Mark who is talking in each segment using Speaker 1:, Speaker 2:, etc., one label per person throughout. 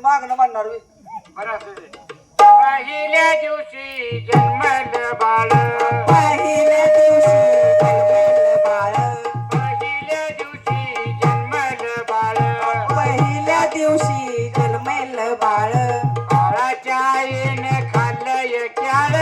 Speaker 1: मागणं म्हणणार बी.
Speaker 2: बरं असू दे. पहिल्या दिवशी जन्मलं बाळ,
Speaker 3: पहिल्या दिवशी जन्मलं बाळ,
Speaker 2: पहिल्या दिवशी जन्मलं बाळ,
Speaker 3: पहिल्या दिवशी जन्मलं बाळ,
Speaker 2: बाळाच्या आईने खाल्लंय क्याळ,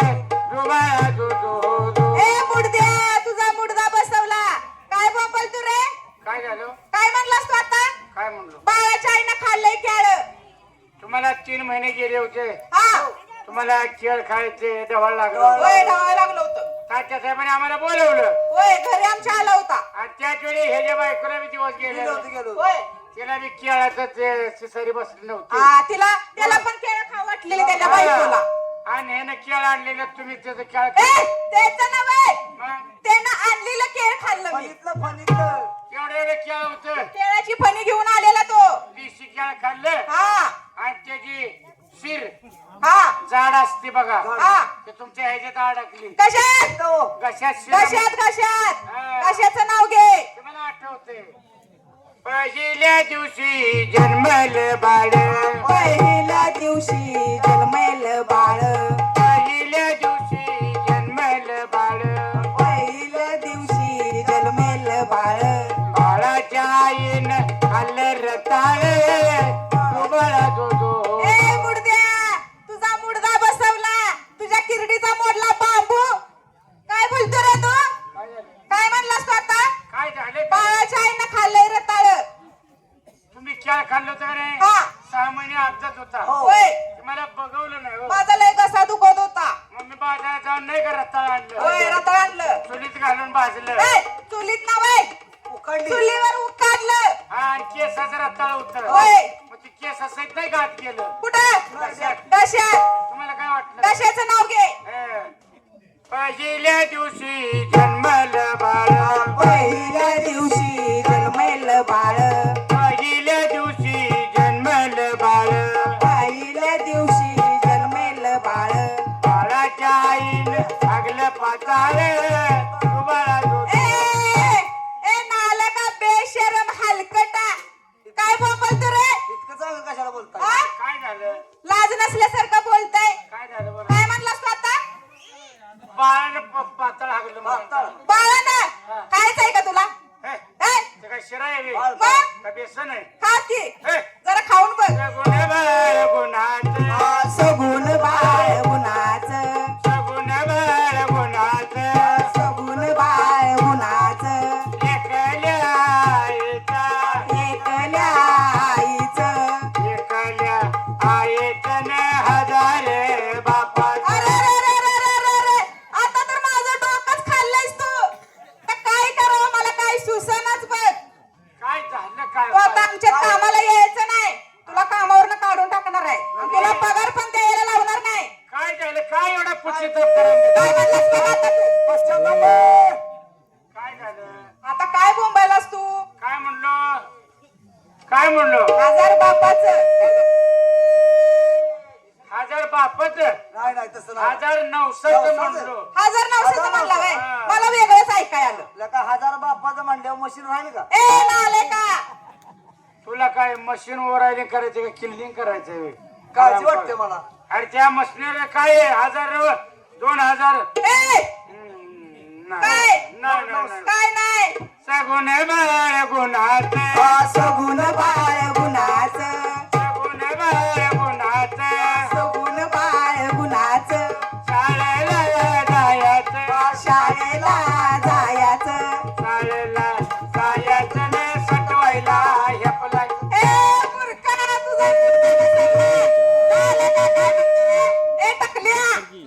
Speaker 2: रुबाळा दो दो दो.
Speaker 3: ए मुडद्या तुझा मुडदा बसवला. काय बोंबल तू रे?
Speaker 2: काय झालं?
Speaker 3: काय म्हणलास तू आता?
Speaker 2: काय म्हणलो?
Speaker 3: बाळाच्या आईनं खाल्लंय केळ.
Speaker 2: तुम्हाला 3 महिने गेले होते,
Speaker 3: हा
Speaker 2: तुम्हाला केळ खायचे डवाळ लागलं,
Speaker 3: होय धावायला लागलं होतं.
Speaker 2: तात्या साहेबांनी आम्हाला बोलवलं
Speaker 3: होय घरी आमच्या आला होता.
Speaker 2: आणि त्याच वेळी ह्याच्या बायकोला बी दिवस गेले,
Speaker 1: गेलो होतो, गेलो होतो.
Speaker 3: होय
Speaker 2: तिला बी केळाचं ते सिसरी बसली नव्हती.
Speaker 3: हा त्याला पण केळ खाऊ वाटलेले त्याच्या बायकोला.
Speaker 2: आणि ह्यानं केळ आणलेलं, तुम्ही त्याचं केळ
Speaker 3: ए त्याचं नव्हे,
Speaker 2: मग
Speaker 3: त्यानं आणलेलं केळ खाल्लं मी.
Speaker 1: फणीतलं
Speaker 2: एवढं एवढं केळ होतं,
Speaker 3: केळाची फणी घेऊन आलेला तो.
Speaker 2: देशी केळ खाल्लं
Speaker 3: हा
Speaker 2: आणि त्याची शिर
Speaker 3: हा
Speaker 2: जाड असते बघा,
Speaker 3: हा
Speaker 2: ते तुमच्या ह्याच्यात अडकली
Speaker 3: कशात
Speaker 2: घशात शिर.
Speaker 3: कशात कशात
Speaker 2: हा.
Speaker 3: कशाचं नाव घे.
Speaker 2: तुम्हाला आठवते पहिल्या दिवशी जन्मलं बाळ,
Speaker 3: पहिल्या दिवशी जन्मलं बाळ,
Speaker 2: पहिल्या दिवशी जन्मलं बाळ,
Speaker 3: पहिल्या दिवशी जन्मलं बाळ,
Speaker 2: बाळाच्या आईनं खाल्लं रताळ, रुबाळा दो दो.
Speaker 3: ए मुडद्या तुझा मुडदा बसवला. तुझ्या किरडीचा मोडला बांबू. काय बोलतो रे तू?
Speaker 2: काय झालं?
Speaker 3: काय म्हणलास तू आता?
Speaker 2: काय झालं?
Speaker 3: बाळाच्या आईनं खाल्लंय रताळ.
Speaker 2: तुम्ही केळ खाल्लं होतं का रे?
Speaker 3: हा
Speaker 2: 6 महिने अपघात होता,
Speaker 3: होय
Speaker 2: मला बघवलं नाही हो.
Speaker 3: माझा लय घसा दुखत होता.
Speaker 2: मग मी बाजारात जाऊन नाही का रताळ
Speaker 3: होय
Speaker 2: आणलं,
Speaker 3: रताळ आणलं.
Speaker 2: चुलीत घालून भाजलं,
Speaker 3: ए चुलीत ना वय
Speaker 1: उकडली.
Speaker 3: चुलीवर उकाडलं.
Speaker 2: आणि केसाचं रताळ होतं,
Speaker 3: होय
Speaker 2: मग ते केस सहित नाही गाठ गेलं.
Speaker 3: कुठं
Speaker 2: घशात.
Speaker 3: कशात
Speaker 2: तुम्हाला काय वाटलं?
Speaker 3: कशाचं नाव घे.
Speaker 2: हं. पहिल्या दिवशी जन्मलं बाळ,
Speaker 3: पहिल्या दिवशी जन्मलं बाळ,
Speaker 2: पहिल्या दिवशी जन्मलं बाळ,
Speaker 3: पहिल्या दिवशी जन्मलं बाळ,
Speaker 2: बाळाच्या आईनं भागलं पाताळ, रुबाळा दो
Speaker 3: ए ए नालका बेशरम हलकटा. काय बोलतो रे?
Speaker 1: इतकं चांगलं कशाला बोलताय?
Speaker 3: हा?
Speaker 2: काय झालं?
Speaker 3: लाज नसल्यासारखं बोलताय.
Speaker 2: काय झालं बरं?
Speaker 3: काय म्हणलास तू आता?
Speaker 2: बाळानं पाताळ हागलं
Speaker 1: पाताळ.
Speaker 2: मला.
Speaker 3: बाळानं खायचं आहे का तुला?
Speaker 2: हे,
Speaker 3: ए,
Speaker 2: ते काय शिरा आहे बे?
Speaker 1: बाळ,
Speaker 3: मग
Speaker 2: का बेसन आहे?
Speaker 3: खा की
Speaker 2: हे,
Speaker 3: जरा खाऊन बघ.
Speaker 2: सगुण बाळ गुणाचं,
Speaker 3: सगुण बाळ गुणाचं,
Speaker 2: सगुण बाळ गुणाचं,
Speaker 3: सगुण बाळ गुणाचं,
Speaker 2: एकल्या आईचा,
Speaker 3: एकल्या आईचं.
Speaker 2: एकल्या आईचं न हजारे बापाचं.
Speaker 3: अरे रे रे रे रे रे रे. आता तर माझं डोकंच खाल्लंयस तू. तर काय करावं मला काय सुसनच बघ.
Speaker 2: काय झालं काय?
Speaker 3: तू आता आमच्या कामाला यायचं नाही. तुला कामावरनं काढून टाकणार आहे. आणि तुला पगार पण द्यायला लावणार नाही.
Speaker 2: काय झालं? काय एवढा पुच्छिताप करायला?
Speaker 3: काय म्हणलास बघ आता तू?
Speaker 1: पश्चाताप आहे.
Speaker 2: काय झालं?
Speaker 3: आता काय बोंबायलास तू?
Speaker 2: काय म्हणलो? काय म्हणलो?
Speaker 3: हजार बापाचं.
Speaker 2: हजार बापच,
Speaker 1: नाही नाही तसं नाही.
Speaker 2: 1900 म्हणलो.
Speaker 3: 1900 म्हणला व्हय.
Speaker 2: हा.
Speaker 3: मला वेगळंच ऐकाय आलं.
Speaker 1: लका 1000 बापाचं म्हणल्यावर मशीन राहील का?
Speaker 3: ए नाले का
Speaker 2: तुला काय मशीन ओरायले करायचे का किल्लिंग करायचंय?
Speaker 1: काळजी वाटते मला.
Speaker 2: अरे त्या मशीनवर काय आहे? 1000 2000
Speaker 3: ए काय?
Speaker 2: नाही नाही
Speaker 3: काय नाही.
Speaker 2: सगुण बाळ गुणाचं,
Speaker 3: सगुण बाळ गुणाचं,
Speaker 2: सगुण बाळ गुणाचं,
Speaker 3: सगुण बाळ गुणाचं,
Speaker 2: शाळेला जायचं,
Speaker 3: शाळेला जायचं.
Speaker 2: शाळेला जायचं न सटवायला हेपलाय.
Speaker 3: ए मूर्खा तुझा मुर्दा बसवला. नाले का काय म्हणते? ए टकल्या.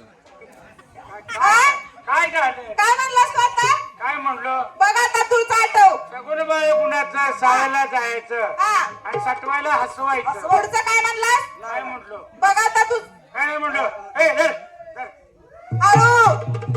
Speaker 3: हा?
Speaker 2: काय झालं?
Speaker 3: काय म्हणलास तू आता?
Speaker 2: काय म्हणलो?
Speaker 3: बघ आता तूच आठव.
Speaker 2: सगुण बाळ गुणाचं, शाळेला जायचं
Speaker 3: हा
Speaker 2: आणि सटवायला हसवायचं.
Speaker 3: पुढचं काय म्हणलास?
Speaker 2: काय म्हणलो?
Speaker 3: बघ आता तू
Speaker 2: काय नाही म्हणलो? ए धर, धर.
Speaker 3: हळू.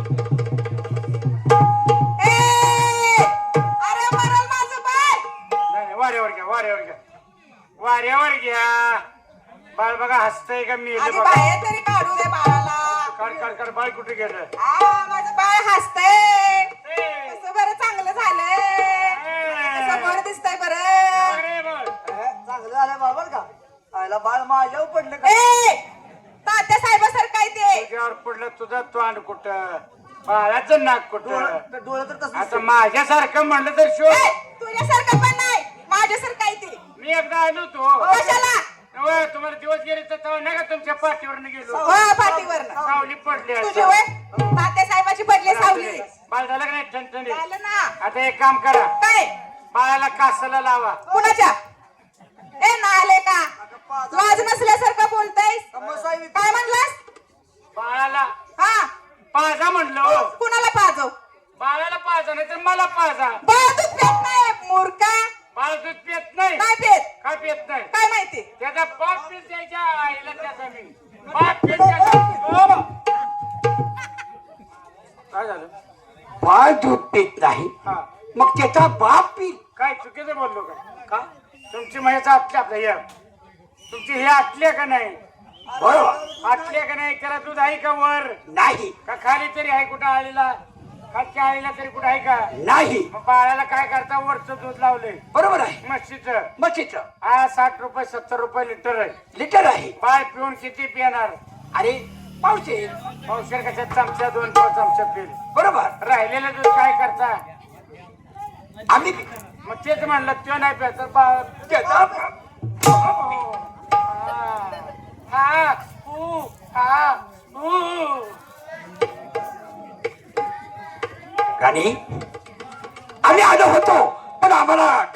Speaker 3: ए अरे मरल माझं बाळ.
Speaker 2: नाही नाही, वाऱ्यावर घ्या, वाऱ्यावर घ्या, वाऱ्यावर घ्या. बाळ बघा हसतंय का मी
Speaker 3: आधी
Speaker 2: बघा.
Speaker 3: बाहेर तरी काढू दे बाळाला.
Speaker 2: काढ काढ काढ. बाळ कुठे गेलं?
Speaker 3: माझं बाळ हसतंय.
Speaker 2: ए,
Speaker 3: कसं बरं चांगलं झालंय. कसं
Speaker 2: ए,
Speaker 3: बरं दिसतंय बरं.
Speaker 2: अरे बाळ.
Speaker 1: चांगलं झालं बाबा का? आयला बाळ माझ्यावर पडलं का
Speaker 3: ए तात्या साहेबासारखं काय ते
Speaker 2: तुझ्यावर पडलं तुझं तोंड कुठं बाळाचं नाक कुठं
Speaker 1: डोळं तर तसं
Speaker 2: आता माझ्यासारखं म्हणलं तर शो
Speaker 3: ए, तुझ्यासारखं पण नाही माझ्यासारखं काय ते
Speaker 2: मी एकदा आलो होतो
Speaker 3: कशाला
Speaker 2: होय, तुम्हाला दिवस गेले तर तेव्हा नाही का तुमच्या पाठीवर गेलो
Speaker 3: हो पाठीवर
Speaker 2: सावली पडली
Speaker 3: तुझी
Speaker 2: आता.
Speaker 3: वय तात्या साहेबाची पडली सावली
Speaker 2: बाळ झालं का नाही ठणठणी
Speaker 3: झालं ना
Speaker 2: आता एक काम करा
Speaker 3: काय
Speaker 2: बाळाला कासाला लावा
Speaker 3: कुणाच्या ए नाले का लाज नसल्यासारखं बोलतायस
Speaker 1: मसाई
Speaker 3: काय म्हणलास
Speaker 2: बाळाला
Speaker 3: हा
Speaker 2: पाजा म्हणलं
Speaker 3: कुणाला पाजव
Speaker 2: बाळाला पाजा नाही तर मला पाजा
Speaker 3: बाळ दूध पेत नाही मूर्खा
Speaker 2: बाळ दूध पित नाही
Speaker 3: काय पेत
Speaker 2: काय पित नाही
Speaker 3: काय माहिती
Speaker 2: त्याचा बाप पीत द्यायच्या आईला त्याचा मी बाप पीत द्यायचा काय झालं
Speaker 4: बाळ दूध पित नाही
Speaker 2: हा
Speaker 4: मग त्याचा बाप पी
Speaker 2: काय चुकीचं बोललो का तुमची म्हैस आटली आपल्या या तुमची हे आटले का नाही
Speaker 4: बरोबर
Speaker 2: आटले का नाही त्याला दूध आहे का वर
Speaker 4: नाही
Speaker 2: का खाली तरी आहे कुठं आळीला खालच्या आळीला तरी कुठं आहे का
Speaker 4: नाही
Speaker 2: मग बाळाला काय करता वरचं दूध लावले
Speaker 4: बरोबर आहे
Speaker 2: म्हशीचं
Speaker 4: म्हशीचं
Speaker 2: हा 60 रुपये 70 रुपये लिटर आहे
Speaker 4: लिटर आहे
Speaker 2: बाळ पिऊन किती पिणार
Speaker 4: अरे पावसे
Speaker 2: पावशेर कशा चमचा 2 चमचा पिल
Speaker 4: बरोबर
Speaker 2: राहिलेलं दूध काय करता
Speaker 4: आम्ही
Speaker 2: मग तेच म्हणलं तो नाही प्यायचा बाळ
Speaker 4: त्याचा
Speaker 2: हा ऊ हा ऊ
Speaker 4: राणी आम्ही आलो होतो पण आम्हाला